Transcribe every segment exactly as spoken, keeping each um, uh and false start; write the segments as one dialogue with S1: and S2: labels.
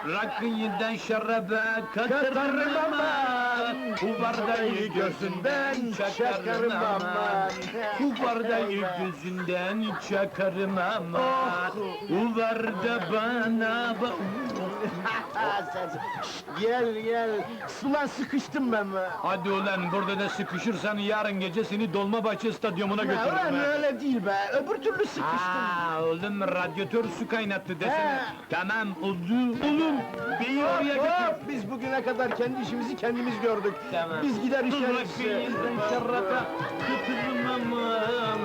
S1: Rakıyından şaraba katarım aman. Bu bardayı gözünden çakarım aman. Bu bardayı gözünden çakarım aman. Bu barda bana bak.
S2: Gel gel, sulan sıkıştım ben be!
S1: Hadi ulan, burada da sıkışırsan yarın gece seni Dolmabahçe Stadyumuna götürürüm.
S2: Lan
S1: ha.
S2: öyle değil be, öbür türlü sıkıştım!
S1: Aa, oğlum radyatör su kaynattı desene.
S2: He.
S1: Tamam, oldu. Oğlum, beni oraya
S2: Hop,
S1: götür.
S2: hop! Biz bugüne kadar kendi işimizi kendimiz gördük!
S1: Tamam.
S2: Biz gider
S1: Dur
S2: işleriz!
S1: rakıyından şaraba katarım aman.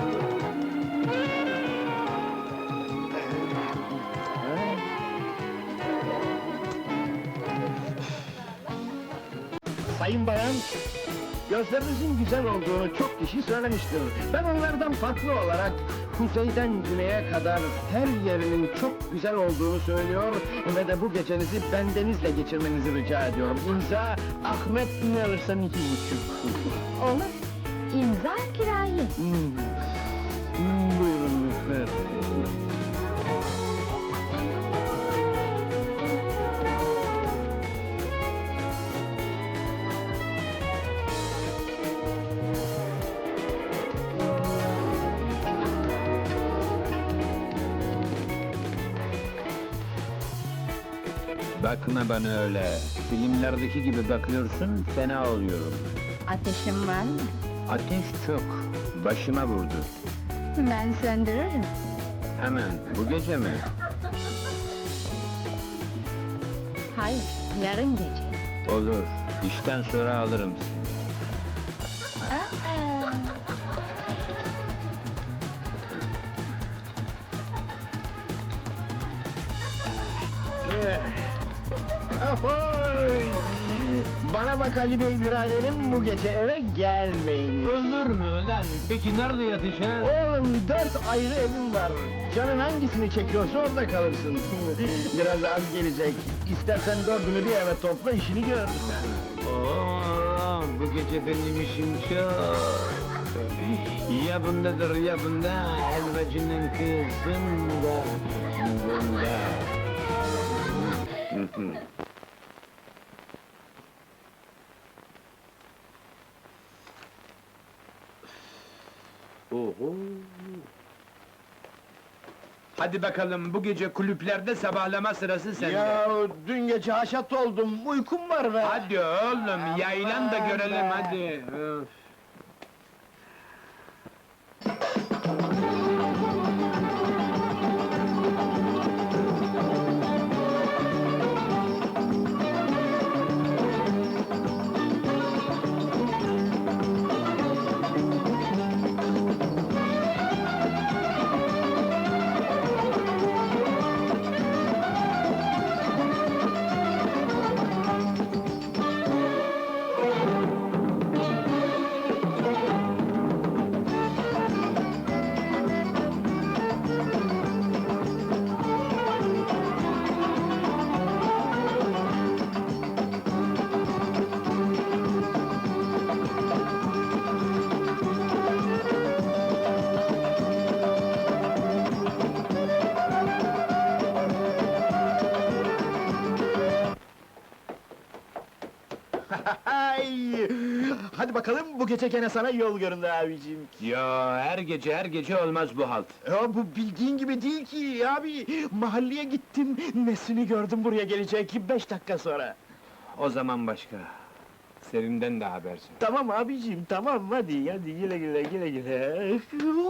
S2: Sayın bayan, gözlerinizin güzel olduğunu çok kişi söylemiştir. Ben onlardan farklı olarak, kuzeyden güneye kadar her yerinin çok güzel olduğunu söylüyor ve de bu gecenizi bendenizle geçirmenizi rica ediyorum. İmza, Ahmet ne alırsan iki buçuk.
S3: Olur. İmza kirayı.
S2: Hmm. Hmm, buyurun lütfen.
S1: Bakma bana öyle. Filmlerdeki gibi bakıyorsun, fena oluyorum.
S3: Ateşin var mı?
S1: Ateş çok. Başıma vurdu.
S3: Ben söndürürüm.
S1: Hemen, bu gece mi?
S3: Hayır, yarın gece.
S1: Olur. İşten sonra alırım seni.
S3: Aa,
S2: Ahoy! Bana bak Ali Bey biraderim, bu gece eve gelmeyin.
S1: Olur mu lan? Peki nerede yatacağız?
S2: Oğlum, dört ayrı evim var. Canın hangisini çekiyorsa orada kalırsın. Biraz az gelecek. İstersen dördünü bir eve topla, işini gör.
S1: Oo, bu gece benim işim çok. Ya bundadır ya bunda, helvacının kızında, bunda. Oho! Hadi bakalım, bu gece kulüplerde sabahlama sırası sende.
S2: Ya dün gece haşat oldum, uykum var be.
S1: Hadi oğlum, yaylan da
S2: Aman
S1: görelim
S2: be.
S1: hadi. Öf.
S2: Ay! Hadi bakalım, bu gece gene sana yol göründü abiciğim.
S1: Ya her gece her gece olmaz bu halt.
S2: Ya bu bildiğin gibi değil ki abi! Mahalleye gittim, Nesrin'i gördüm buraya gelecek, beş dakika sonra.
S1: O zaman başka. Selim'den de habersin.
S2: Tamam abiciğim, tamam, hadi, hadi, güle güle, güle güle.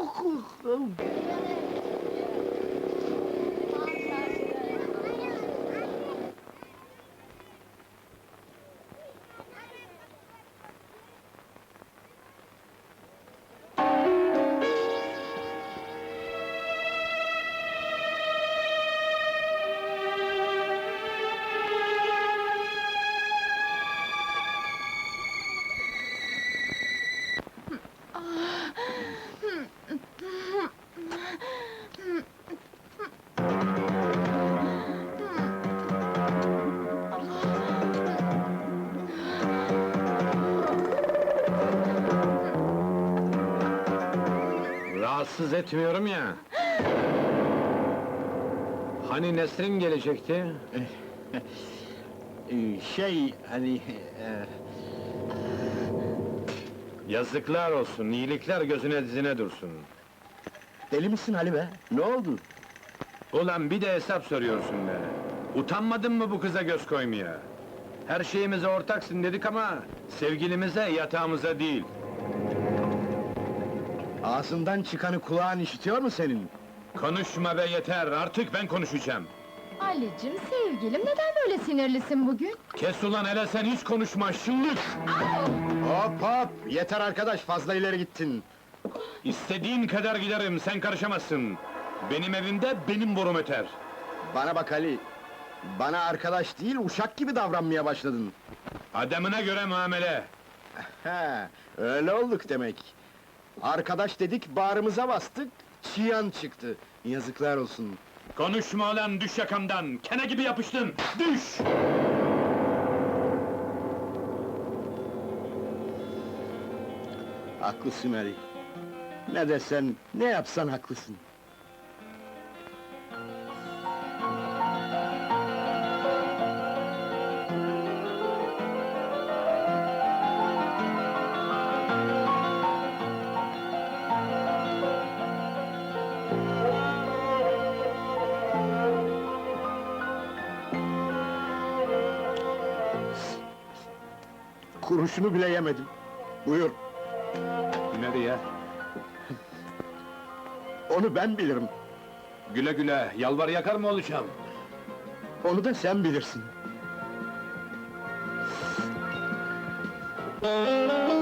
S1: Rahatsız etmiyorum ya. Hani Nesrin gelecekti?
S2: Ee, şey, hani... e,
S1: Yazıklar olsun, iyilikler gözüne dizine dursun.
S2: deli misin Ali be? Ne oldu?
S1: Ulan bir de hesap soruyorsun be! Utanmadın mı bu kıza göz koymaya? Her şeyimize ortaksın dedik ama... ...sevgilimize, yatağımıza değil.
S2: Ağzından çıkanı kulağın işitiyor mu senin?
S1: Konuşma be yeter, artık ben konuşacağım!
S3: Ali'cim, sevgilim, neden böyle sinirlisin bugün?
S1: Kes ulan hele sen hiç konuşma, şıllık!
S2: Hop hop! Yeter arkadaş, fazla ileri gittin.
S1: İstediğin kadar giderim, sen karışamazsın! Benim evimde benim borum öter!
S2: Bana bak Ali, bana arkadaş değil, uşak gibi davranmaya başladın.
S1: Adamına göre muamele!
S2: He, öyle olduk demek. Arkadaş dedik, bağrımıza bastık, çiyan çıktı. Yazıklar olsun.
S1: Konuşma ulan, düş yakamdan! Kene gibi yapıştın, düş!
S2: Haklısın Ali. Ne desen, ne yapsan haklısın. Kuruşunu bile yemedim. Buyur,
S1: Nereye?
S2: onu ben bilirim.
S1: Güle güle, yalvar yakar mı olacağım?
S2: Onu da sen bilirsin.